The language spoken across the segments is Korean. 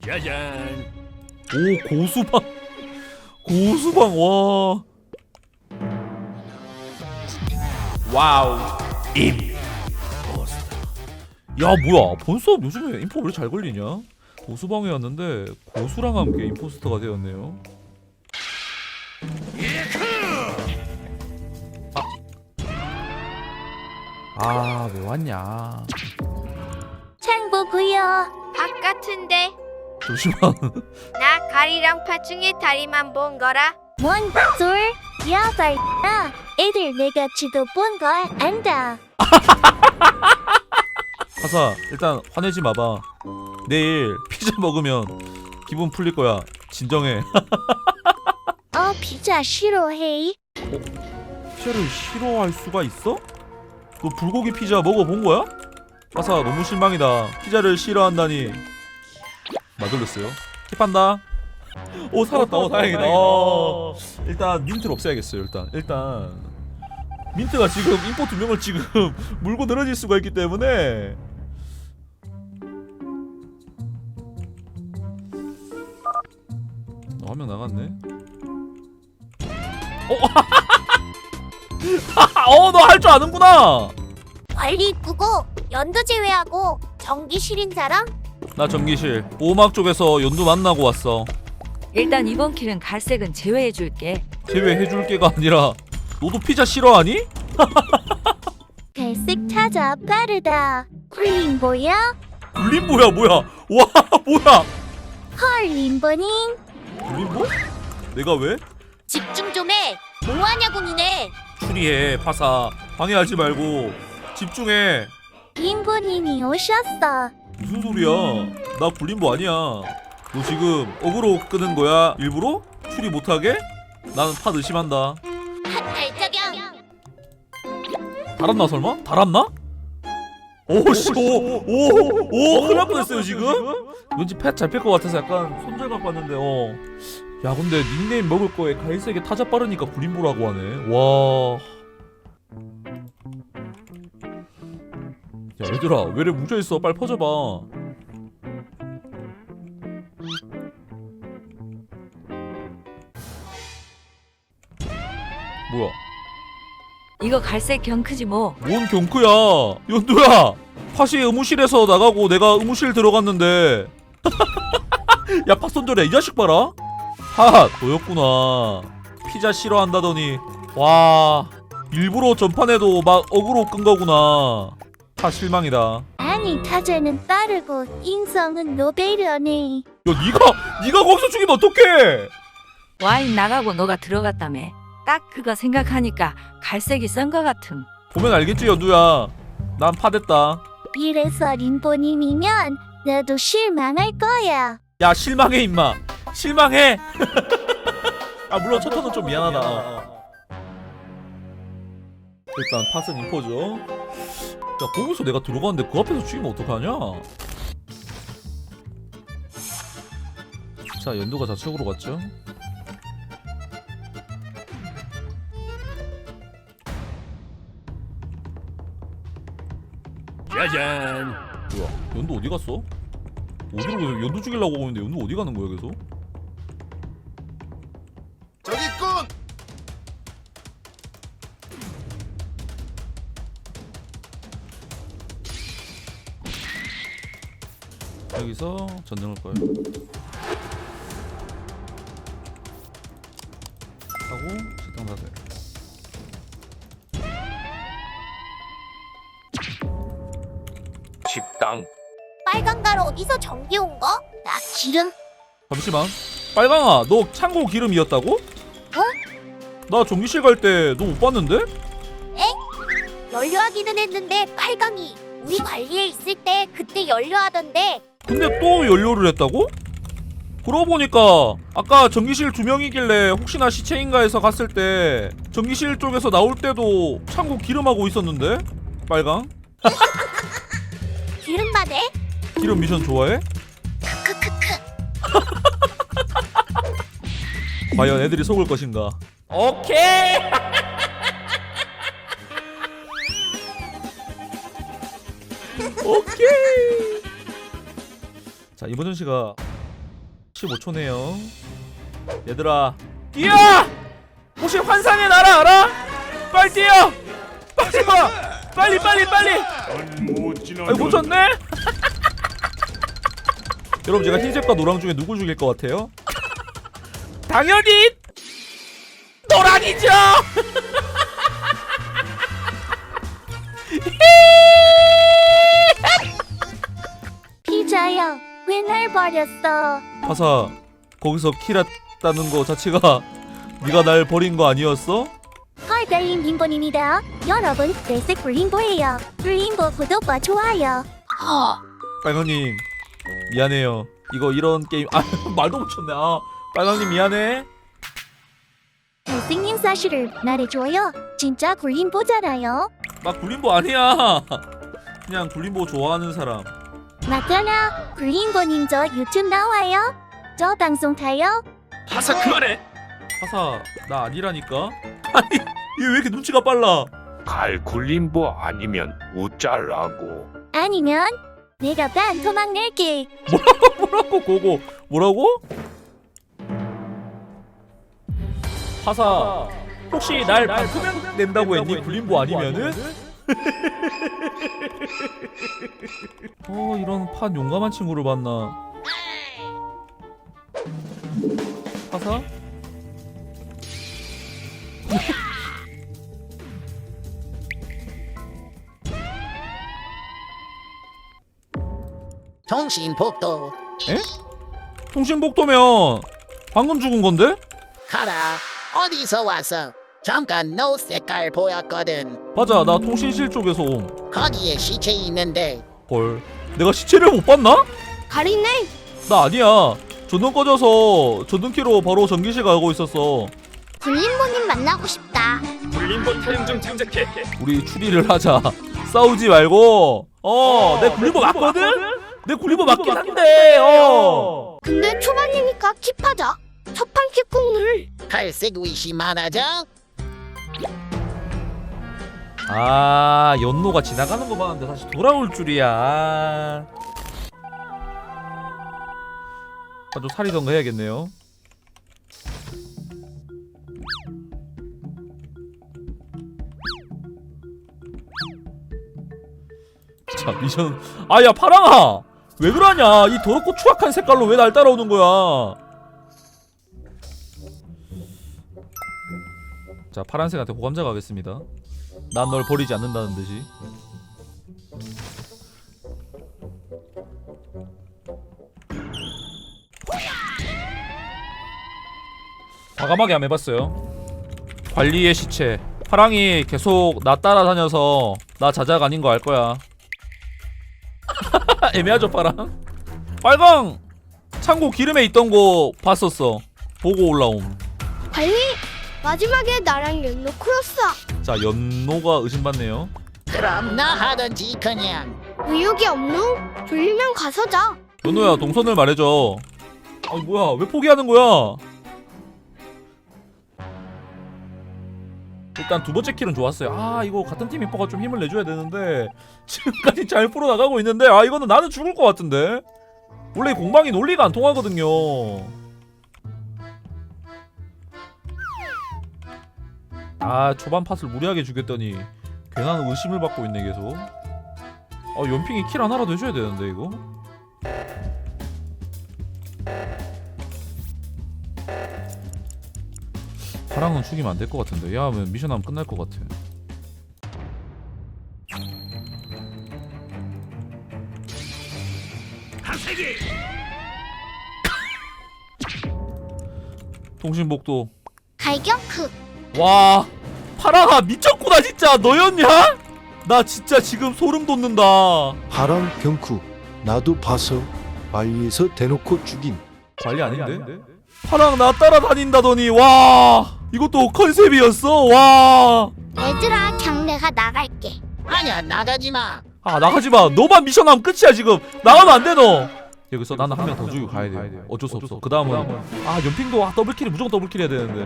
짜잔. 오, 고수방. 고수방. 와. 와우. 임포스터. 야, 뭐야? 본수업 요즘에 인포 왜 이렇게 잘 걸리냐? 고수방에 왔는데 고수랑 함께 임포스터가 되었네요. 아, 왜 왔냐? 창보고요. 밥 같은데. 잠시만. 나 가리랑 파 중에 다리만 본 거라. 뭔 둘? 여덟 나 애들 내가 지도 본 걸 안다. 하사, 일단 화내지 마봐. 내일 피자 먹으면 기분 풀릴 거야. 진정해. 피자 싫어해. 피자를 싫어할 수가 있어? 너 불고기 피자 먹어본 거야? 하사, 너무 실망이다. 피자를 싫어한다니. 맞을렸어요. 킵한다. 오, 살았다. 오, 다행이다. 일단 민트를 없애야겠어요. 일단 민트가 지금 인포 2명을 지금 물고 늘어질 수가 있기 때문에. 한 명 나갔네. 너 할 줄 아는구나. 관리 이쁘고 연도 제외하고 전기실인 사람? 나 전기실 오막 쪽에서 연두 만나고 왔어. 일단 이번 킬은 갈색은 제외해줄게. 제외해줄 게가 아니라 너도 피자 싫어하니? 갈색 찾아 빠르다. 림보야? 림보야 뭐야? 와 뭐야? 헐 림보님. 림보? 내가 왜? 집중 좀 해. 뭐하냐고 니네. 추리해 파사. 방해하지 말고 집중해. 림보님이 오셨어. 무슨 소리야? 나 굴림보 아니야. 너 지금 어그로 끄는 거야? 일부러? 추리 못하게? 나는 파 의심한다. 발자경. 달았나 설마? 달았나? 오씨 오오 큰일 날 뻔했어요 지금? 왠지 팻 잘 팰 것 같아서 약간 손절 갖고 왔는데 야 근데 닉네임 먹을 거에 갈색에 타자 빠르니까 굴림보라고 하네. 와. 야 얘들아 왜 이래 뭉쳐있어. 빨리 퍼져봐. 뭐야 이거 갈색 경크지 뭐. 뭔 경크야. 연두야 팥이 의무실에서 나가고 내가 의무실 들어갔는데 야 팥 손절해. 이 자식 봐라. 팥 너였구나. 피자 싫어한다더니 와 일부러 전판에도 막 어그로 끈 거구나. 팥 실망이다. 아니 타자는 빠르고 인성은 노베르네. 야 니가 거기서 죽이면 어떡해. 와인 나가고 너가 들어갔다며. 딱 그거 생각하니까 갈색이 썬 거 같음. 보면 알겠지 연두야. 난 파됐다. 이래서 림보님이면 나도 실망할 거야. 야 실망해 임마. 실망해. 아 물론 첫 턴은 좀 미안하다. 일단 팟은 인포죠. 야 거기서 내가 들어갔는데 그 앞에서 죽이면 어떡하냐. 자 연두가 좌측으로 갔죠. 짜잔. 뭐야 연두 어디 갔어? 어디로 가서 연두 죽이려고 오는데 연두 어디 가는 거야 계속? 저기 있군. 여기서 전등을 꺼요. 하고 식당 닫아요. 식당. 빨간 가루 어디서 전기 온 거? 나 기름. 잠시만. 빨강아 너 창고 기름이었다고? 나 전기실 갈 때 너 못 봤는데? 연료하기는 했는데 빨강이 우리 관리에 있을 때 그때 연료하던데. 근데 또 연료를 했다고? 그러고 보니까 아까 전기실 2명이길래 혹시나 시체인가 해서 갔을 때 전기실 쪽에서 나올 때도 창고 기름하고 있었는데? 빨강? 기름 받네. 기름 미션 좋아해? 크크크크. 과연 애들이 속을 것인가? 오케이! 오케이! 자 이번 전시가 15초네요. 얘들아 뛰어! 혹시 환상의 나라 알아? 빨리 뛰어! 빨리 와! 빨리 빨리 빨리! 아이 못 쳤네? 여러분 제가 흰색과 노랑 중에 누굴 죽일 것 같아요? 당연히 노랑이죠! 피자야, 왜 날 버렸어? 파사 거기서 킬했다는 거 자체가 네가 날 버린 거 아니었어? 헐달님 림보입니다. 여러분, 레색 림보예요. 림보 구독과 좋아요. 빨강님 미안해요. 이거 이런 게임 아 말도 못 쳤네. 아 빨강님 미안해. 잘생긴 사실을 말해줘요. 진짜 굴림보잖아요. 나 굴림보 아니야. 그냥 굴림보 좋아하는 사람. 맞잖아. 굴림보님 저 유튜브 나와요. 저 방송 타요. 파사 그만해. 파사 나 아니라니까. 아니 얘 왜 이렇게 눈치가 빨라? 갈 굴림보 아니면 웃잘라고. 아니면 내가 반 토막 낼게. 뭐라고 고고 뭐라고? 파사 혹시 날 방송명 낸다고 했니? 굴림보 아니면은? 이런 판 용감한 친구를 봤나? 파사? 통신복도 통신복도면 방금 죽은 건데? 가라. 어디서 왔어? 잠깐 너 색깔 보였거든. 맞아 나 통신실 쪽에서 옴. 거기에 시체 있는데. 헐 내가 시체를 못 봤나? 가리네. 나 아니야. 전등 꺼져서 전등키로 바로 전기실 가고 있었어. 굴림보님 만나고 싶다. 굴림보 타령 좀 장착해. 우리 추리를 하자. 싸우지 말고. 내 굴림보 맞거든? 내 굴림보 맞긴 한데. 근데 초반이니까 킵하자. 첫판 킵공을. 갈색 위시 많아져? 아 연노가 지나가는 거 봤는데 다시 돌아올 줄이야. 아주 살이던가 해야겠네요. 자 미션 아야 파랑아 왜 그러냐. 이 더럽고 추악한 색깔로 왜 날 따라오는 거야. 자 파란색한테 호감자 가겠습니다. 난 널 버리지 않는다는 듯이. 과감하게 한번 해봤어요. 관리의 시체. 파랑이 계속 나 따라다녀서 나 자작 아닌 거 알 거야. 애매하죠 파랑? 빨강! 창고 기름에 있던 거 봤었어. 보고 올라옴. 관리. 마지막에 나랑 연노 크로스. 자 연노가 의심받네요. 그럼 나 하던지 그냥. 의욕이 없노? 졸리면 가서 자. 연노야 동선을 말해줘. 아니 뭐야 왜 포기하는 거야? 일단 두 번째 킬은 좋았어요. 아 이거 같은 팀 히퍼가 좀 힘을 내줘야 되는데 지금까지 잘 풀어나가고 있는데 아 이거는 나는 죽을 것 같은데. 원래 공방이 논리가 안 통하거든요. 아 초반 팟을 무리하게 죽였더니 괜한 의심을 받고 있네 계속. 연핑이 킬 하나라도 해줘야 되는데 이거. 파랑은 죽이면 안 될 것 같은데. 야 하면 미션 하면 끝날 것 같아. 통신복도. 갈격크. 와 파랑아 미쳤구나 진짜. 너였냐? 나 진짜 지금 소름 돋는다. 하랑 병쿠 나도 봐서 관리에서 대놓고 죽인. 관리 아닌데? 파랑 나 따라다닌다더니 와 이것도 컨셉이었어. 와 얘들아, 그냥 내가 나갈게. 아니야 나가지마. 아 나가지마. 너만 미션하면 끝이야 지금. 나가면 안 돼 너. 여기서 나는 한 명 더 죽이고 가야 돼. 어쩔 수 없어. 그 다음은 연핑도 더블킬이 무조건 더블킬 해야 되는데.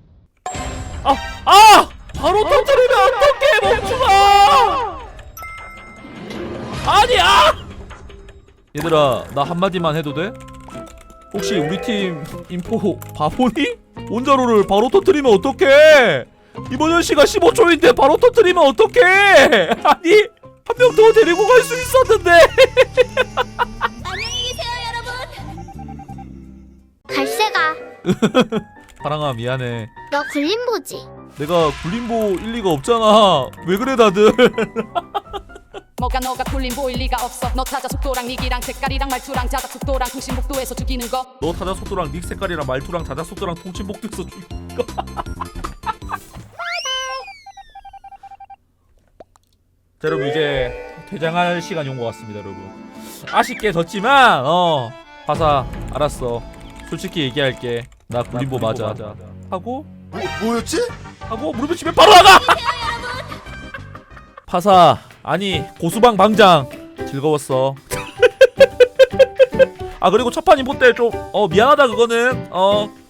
바로 터뜨리면 어떡해 멈추마. 얘들아 나 한마디만 해도 돼? 혹시 우리 팀 인포 바보니? 원자로를 바로 터뜨리면 어떡해? 이모전씨가 15초인데 바로 터뜨리면 어떡해? 아니 한 명 더 데리고 갈 수 있었는데. 안녕히 계세요, 여러분. 갈색아, 파랑아 미안해. 너 굴림보지? 내가 굴림보 일리가 없잖아. 왜 그래 다들? 뭐가 너가 굴림 보일 리가 없어. 너 타자 속도랑 닉이랑 색깔이랑 말투랑 자작 속도랑 통신 복도에서 죽이는 거. 너 타자 속도랑 닉 색깔이랑 말투랑 자자 속도랑 통신복도에서 죽인 거. 자 여러분 이제 퇴장할 시간이 온 것 같습니다 여러분. 아쉽게 졌지만 바사 알았어. 솔직히 얘기할게. 나 굴림보 맞아. 하고 뭐였지? 하고 무릎을 치면 바로 나가. 파사 아니 고수방 방장 즐거웠어. 아 그리고 첫판 인포 때 좀 미안하다 그거는